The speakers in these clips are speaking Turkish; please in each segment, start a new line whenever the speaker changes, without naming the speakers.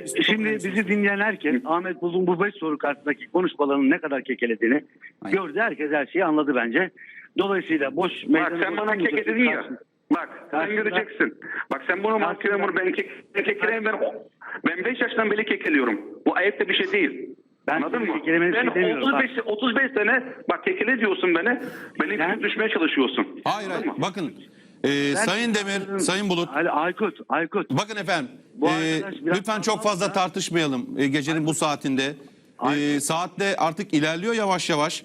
Şimdi bizi dinleyen herkes Ahmet Bulut'un bu 5 soru karşısındaki konuşmalarının ne kadar kekelediğini gördü. Herkes her şeyi anladı bence. Dolayısıyla boş
Bak
meydanı...
sen bana kekeledin ya. Bak sen göreceksin. Bak sen bunu mahkememur ben kekeleyim ben 5 yaştan beri kekeliyorum. Bu ayıp da bir şey değil.
Ben
Anladın mı?
Ben
35 sene bak kekele diyorsun beni. Beni düşmeye çalışıyorsun.
Hayır. Bakın Sayın Demir, Sayın Bulut.
Aykut.
Bakın efendim.
Bu arkadaş biraz
Lütfen çok fazla tartışmayalım gecenin bu saatinde. Saatte artık ilerliyor yavaş yavaş.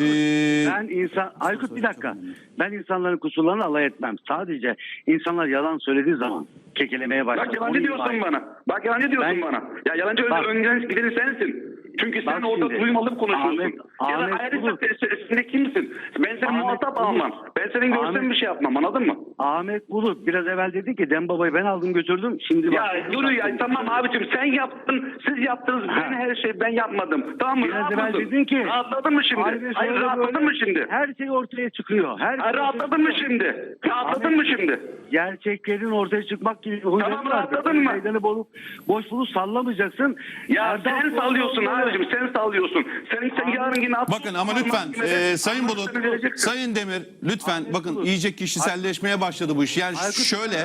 Aykut bir dakika. Ben insanların kusurlarını alay etmem. Sadece insanlar yalan söylediği zaman kekelemeye başlar.
Bak yalancı diyorsun bana. Bak yalancı diyorsun bana. Ya yalancı önden gideni sensin. Çünkü sen orada duymalı konuşuyorsun. Ya da ayrıca sen kimsin? Ben senin muhatap almam. Ben senin görsem bir şey yapmam, anladın mı?
Ahmet Bulut biraz evvel dedi ki Dem Baba'yı ben aldım götürdüm. Şimdi
ya yürü ya, tamam abicim sen yaptın, siz yaptınız. Ben her şeyi ben yapmadım. Tamam mı?
Biraz evvel dedin ki.
Rahatladın mı şimdi? Hayır, rahatladın mı şimdi?
Her şey ortaya çıkıyor.
Rahatladın mı şimdi? Rahatladın mı şimdi?
Gerçeklerin ortaya çıkmak gibi bir
tamam, rahatladın mı?
Meydanı boş bulup sallamayacaksın.
Ya sen sallıyorsun abicim, sen sallıyorsun. Sen yarın yine...
Bakın ama lütfen Sayın Bulut, Sayın Demir lütfen bakın iyice kişiselleşmeye başladı bu iş. Yani şöyle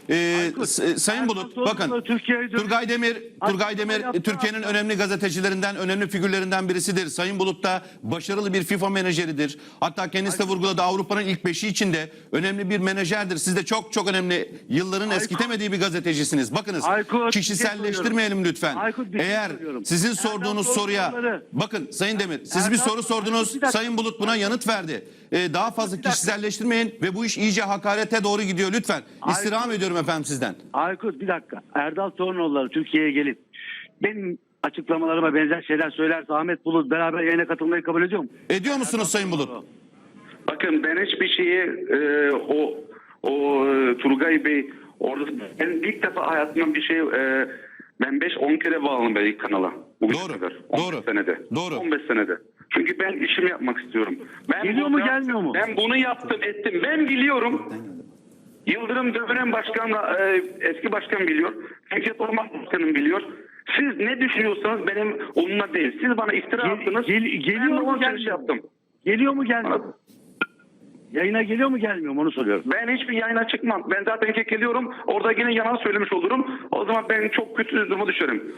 Sayın Bulut bakın Turgay Demir Türkiye'nin önemli gazetecilerinden, önemli figürlerinden birisidir. Sayın Bulut da başarılı bir FIFA menajeridir. Hatta kendisi de vurguladı, Avrupa'nın ilk 5'i içinde önemli bir menajerdir. Siz de çok önemli, yılların eskitemediği bir gazetecisiniz. Bakınız kişiselleştirmeyelim lütfen. Eğer sizin sorduğunuz soruya bakın Sayın Demir, siz bir soru sordunuz, Sayın Bulut buna yanıt verdi. Daha fazla kişiselleştirmeyin ve bu iş iyice hakarete doğru gidiyor lütfen. İstirham ediyorum efendim sizden.
Aykut bir dakika. Erdal Tornoğulları Türkiye'ye gelip benim açıklamalarıma benzer şeyler söylerse Ahmet Bulut beraber yayına katılmayı kabul ediyor mu?
Ediyor musunuz Sayın Bulut?
Bakın ben hiçbir şeyi Turgay Bey orada ben ilk defa hayatımda bir şey ben 5-10 kere bağlandım belki kanala.
Doğru.
Senede.
Doğru.
15 senede. Çünkü ben işimi yapmak istiyorum.
Geliyor mu gelmiyor mu?
Ben bunu yaptım ettim. Ben biliyorum. Yıldırım dönem başkan, eski başkan biliyor. Fikret Orman Başkanım biliyor. Siz ne düşünüyorsanız benim onunla değil. Siz bana iftira attınız.
Geliyor mu gelmiyor
yaptım.
Geliyor mu gelmiyor mu? Yayına geliyor mu gelmiyor mu onu soruyorum.
Ben hiçbir yayına çıkmam. Ben zaten kekeliyorum. Orada yine yalan söylemiş olurum. O zaman ben çok kötü duruma düşerim.